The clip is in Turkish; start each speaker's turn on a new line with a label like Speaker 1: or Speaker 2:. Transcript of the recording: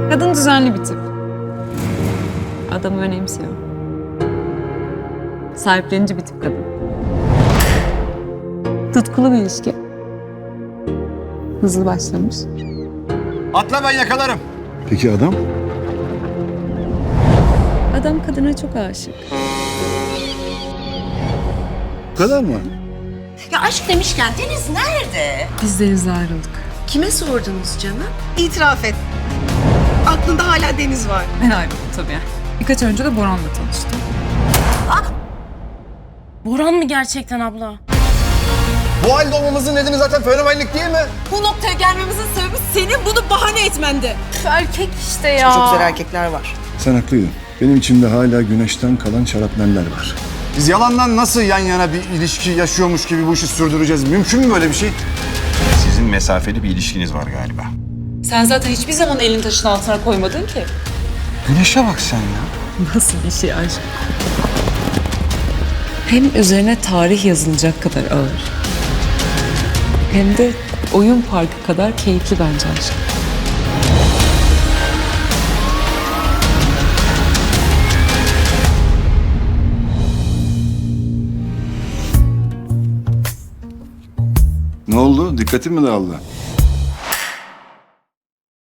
Speaker 1: Kadın düzenli bir tip. Adamı önemsiyor. Sahiplenici bir tip kadın. Tutkulu bir ilişki. Hızlı başlamış.
Speaker 2: Atla, ben yakalarım.
Speaker 3: Peki adam?
Speaker 1: Adam kadına çok aşık.
Speaker 3: Bu kadar mı?
Speaker 4: Ya aşk demişken Deniz nerede?
Speaker 1: Biz Deniz'le ayrıldık.
Speaker 4: Kime sordunuz canım?
Speaker 5: İtiraf et. Aklında hala Deniz var.
Speaker 1: Ben ayrıldım tabii. Birkaç önce de Boran'la tanıştım.
Speaker 6: Boran mı gerçekten abla?
Speaker 2: Bu halde olmamızın nedeni zaten fenomenlik değil mi?
Speaker 5: Bu noktaya gelmemizin sebebi senin bunu bahane etmendi.
Speaker 6: Erkek işte ya.
Speaker 5: Çok güzel erkekler var.
Speaker 3: Sen haklıydın. Benim içimde hala güneşten kalan şarapneller var.
Speaker 2: Biz yalandan nasıl yan yana bir ilişki yaşıyormuş gibi bu işi sürdüreceğiz? Mümkün mü böyle bir şey? Sizin mesafeli bir ilişkiniz var galiba.
Speaker 7: Sen zaten hiçbir zaman elini taşın altına koymadın ki.
Speaker 2: Güneşe bak sen ya.
Speaker 1: Nasıl bir şey aşk?
Speaker 7: Hem üzerine tarih yazılacak kadar ağır. Hem de oyun parkı kadar keyifli bence aşk.
Speaker 3: Ne oldu? Dikkatin mi dağıldı?